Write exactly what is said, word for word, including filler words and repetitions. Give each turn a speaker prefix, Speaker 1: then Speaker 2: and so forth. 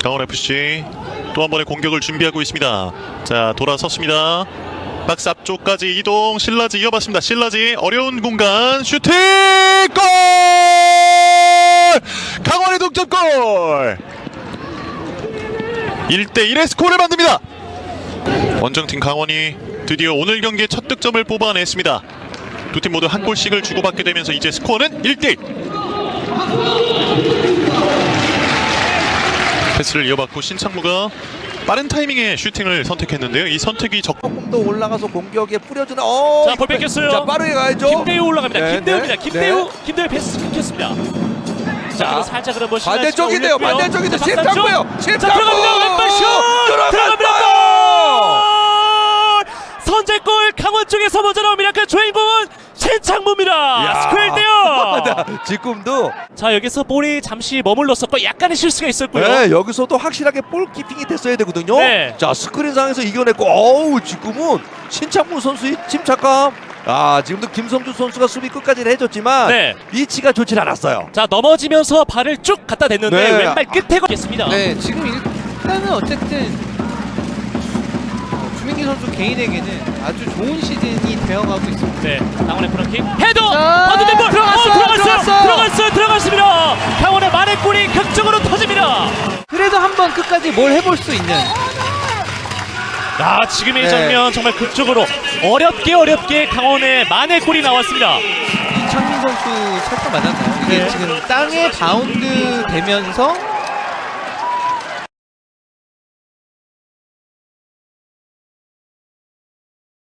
Speaker 1: 강원에프씨 또 한 번의 공격을 준비하고 있습니다. 자, 돌아섰습니다. 박스 앞쪽까지 이동. 신라지 이어봤습니다. 신라지 어려운 공간 슈팅 골! 강원의 동점골! 일 대 일의 스코어를 만듭니다. 원정팀 강원이 드디어 오늘 경기의 첫 득점을 뽑아냈습니다. 두 팀 모두 한 골씩을 주고받게 되면서 이제 스코어는 일 대 일. 패스를 이어받고 신창무가 빠른 타이밍에 슈팅을 선택했는데요. 이 선택이 적...
Speaker 2: 조금 더 올라가서 공격에 뿌려주는 어.
Speaker 3: 자, 볼 뺏겼어요.
Speaker 2: 자, 빠르게 가야죠.
Speaker 3: 김대우 올라갑니다.
Speaker 2: 네,
Speaker 3: 김대우입니다.
Speaker 2: 네,
Speaker 3: 김대우,
Speaker 2: 네.
Speaker 3: 김대우 패스 끊겼습니다. 자,
Speaker 2: 자,
Speaker 3: 그리고 살짝 그런 뭐
Speaker 2: 반대쪽인데요. 반대쪽인데 실탄고요.
Speaker 3: 자,
Speaker 2: 실탄고.
Speaker 3: 들어갑니다. 왼발 슛 들어갑니다. 골! 선제골 강원 쪽에서 먼저 나옵니다. 그 주인공은 신창무입니다. 스코어 일 대 영.
Speaker 2: 지금도
Speaker 3: 자, 여기서 볼이 잠시 머물렀었고 약간의 실수가 있었고요.
Speaker 2: 네, 여기서도 확실하게 볼 키핑이 됐어야 되거든요.
Speaker 3: 네.
Speaker 2: 자, 스크린 상에서 이겨냈고, 어우, 지금은 신창무 선수의 침착감. 아, 지금도 김성주 선수가 수비 끝까지 해줬지만
Speaker 3: 네.
Speaker 2: 위치가 좋질 않았어요.
Speaker 3: 자, 넘어지면서 발을 쭉 갖다 댔는데
Speaker 2: 네.
Speaker 3: 왼발 끝에 걸렸습니다.
Speaker 4: 네, 지금 일단은 어쨌든 주민기 선수 개인에게는 아주 좋은 시즌이 되어가고 있습니다.
Speaker 3: 네, 강원의 프로킥 헤더!
Speaker 4: 자,
Speaker 3: 받은 볼!
Speaker 4: 들어갔어요,
Speaker 3: 어, 들어갔어요!
Speaker 4: 들어갔어요!
Speaker 3: 들어갔어요! 들어갔습니다! 강원의 만회골이 극적으로 터집니다!
Speaker 4: 그래도 한번 끝까지 뭘 해볼 수 있는.
Speaker 3: 아, 지금 이
Speaker 2: 네.
Speaker 3: 장면 정말 극적으로 어렵게 어렵게 강원의 만회골이 나왔습니다.
Speaker 4: 이창민 선수 살짝 맞았나요? 이게
Speaker 3: 네.
Speaker 4: 지금 땅에 바운드 되면서